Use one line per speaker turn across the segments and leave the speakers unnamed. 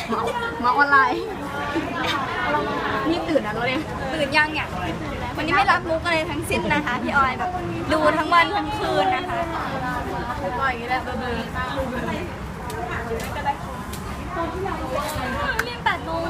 มาออนไลน์นี่ตื่นนะเราเนี่ย
ตื่นยังเนี่ยวันนี้ไม่รับมุกอะไรทั้งสิ้นนะคะพี่ออยแบบดูทั้งวันทั้งคืนนะคะ
ก็อย่างนี้แหละเดิน
เรียน8 โมง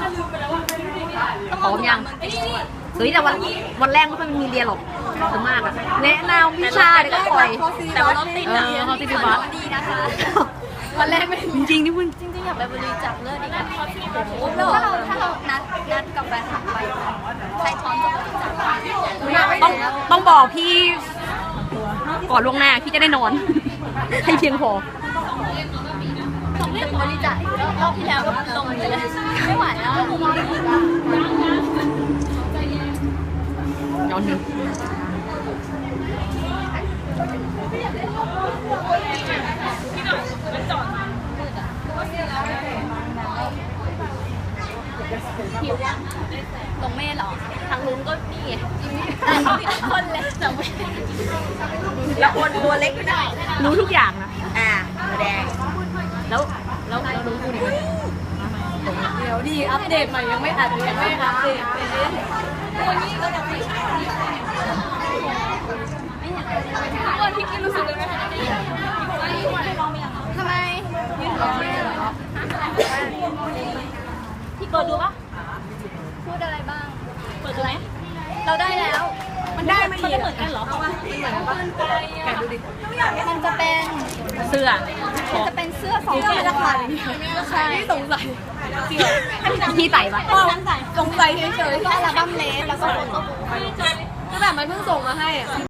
พร้อมยังเฮ้ยแต่วันแรกไม่ค่อยมีเรียนหรอกส่วนมากอะแนะนำวิชาเดี๋ยวก็ปล่อย
แต่ว่าเราติดนะ
เขาติดบัส
ดีนะคะ
วันแรกไม่จริงๆนี่มึง
จริงๆอยากไปบริจาคเลือดอีกอะถ้าเรานัดกับแฟนคลับไปใครพร้อมจะบริจาค
ต้องบอกพี่ก่อนล่วงหน้าพี่จะได้นอน ให้เพียงพอ
จะบริจาครอบที่แล้วก็ลงไปเลยไม่ไหวแล้ว
ย้อนถึง
ลงเมฆหรอทางนู้นก็นี่คนเล็กแต่ไม่แล้วคนตัวเล็กไม่ได้
รู้ทุกอย่างนะ
แดง
แล้วรู้กูดิ
เดี๋ยวดีอัปเดตใหม่ยังไม่อัปเดตวันนี้ก็ยังไม่ใช่คนที่กินรู้สึกเลยไหมทำไมยืนรอไม่เหรอพี่เปิดดูปะพูดอะไรบ้างเปิดดูไหมเราได้แล้วมันได้มันเหมือนกันเหรอมันเหมือนกันปะแกดูดิมันจะเป็น
เสื้อ
มันจะเป็นเสื้อ2 ตัวใช่สงสัย
พี่ใส่ปะ
สงสัยเฉยๆแค่อัลบั้มเลสแล้วก็โฟโต้บุ๊ก
แต่มันเพิ่งส่งมาให้